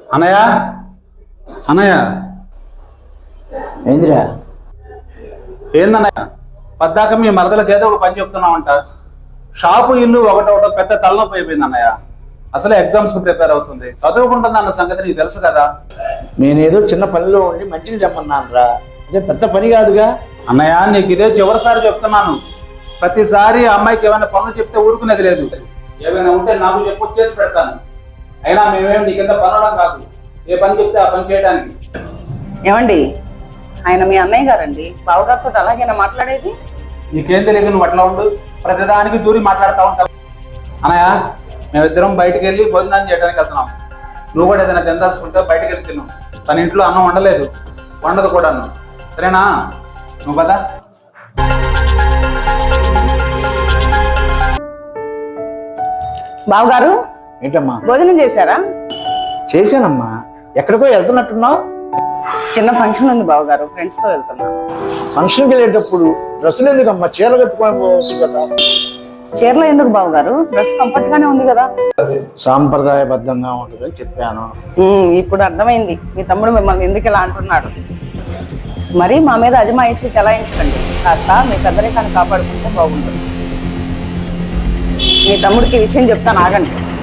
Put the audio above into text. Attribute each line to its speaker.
Speaker 1: అన్నయ్య అన్నయ్య
Speaker 2: ఏందిరా?
Speaker 1: ఏందన్నయ్య పద్దాక మీ మరదలకు ఏదో ఒక పని చెప్తున్నామంట. షాపు ఇల్లు ఒకటొకటో పెద్ద తలనొప్పి అయిపోయింది అన్నయ్య. అసలే ఎగ్జామ్స్ కు ప్రిపేర్ అవుతుంది, చదువుకుంటుంది అన్న సంగతి నీకు తెలుసు కదా.
Speaker 2: నేనేదో చిన్న పనిలో ఉండి మంచిగా చెప్పన్నాను రా, అదే పెద్ద పని కాదుగా.
Speaker 1: అన్నయ్య నీకు ఇదే చివరిసారి చెప్తున్నాను. ప్రతిసారి అమ్మాయికి ఏమైనా పనులు చెప్తే ఊరుకునేది లేదు. ఏమైనా ఉంటే నాకు చెప్పు, చేసి పెడతాను. అయినా మేమేమి నీ కింద పనులం కాదు, ఏ పని చెప్తే ఆ పని చేయడానికి.
Speaker 3: ఏమండి, ఆయన మీ అన్నయ్య గారండి, బావగారితో అలాగైనా మాట్లాడేది?
Speaker 1: నీకేం తెలియదు, నువ్వు అట్లా ఉండు, ప్రతిదానికి దూరి మాట్లాడుతూ ఉంటావు. అన్నయ్య మేమిద్దరం బయటకు వెళ్ళి భోజనం చేయడానికి వెళ్తున్నాం. నువ్వు కూడా ఏదైనా తిందాల్చుకుంటే బయటకు వెళ్ళి తిన్నావు. తన ఇంట్లో అన్నం వండలేదు, వండదు కూడా. సరేనా? నువ్వు కదా.
Speaker 3: బావగారు
Speaker 2: ఏంటమ్మా?
Speaker 3: భోజనం చేశారా?
Speaker 2: చేశానమ్మా. ఎక్కడికో వెళ్తున్నట్టున్నావు?
Speaker 3: చిన్న ఫంక్షన్ ఉంది బావగారు, ఫ్రెండ్స్ తో వెళ్తున్నా.
Speaker 2: ఫంక్షన్కి వెళ్ళేటప్పుడు డ్రెస్సులు ఎందుకమ్మా? చీరలు కట్టుకొని పోవచ్చు కదా.
Speaker 3: చీరలో ఎందుకు బావగారు? డ్రెస్ కంఫర్ట్ గానే ఉంది కదా.
Speaker 2: సాంప్రదాయబద్ధంగా ఉంటుందని చెప్పాను.
Speaker 3: ఇప్పుడు అర్థమైంది మీ తమ్ముడు మిమ్మల్ని ఎందుకు ఇలా అంటున్నాడు. మరి మా మీద అజమాయిషి చలాయించకండి, కాస్త మీ పెద్దరికాన్ని కాపాడుకుంటే బాగుంటుంది. మీ తమ్ముడికి ఈ విషయం చెప్తాను, ఆగండి.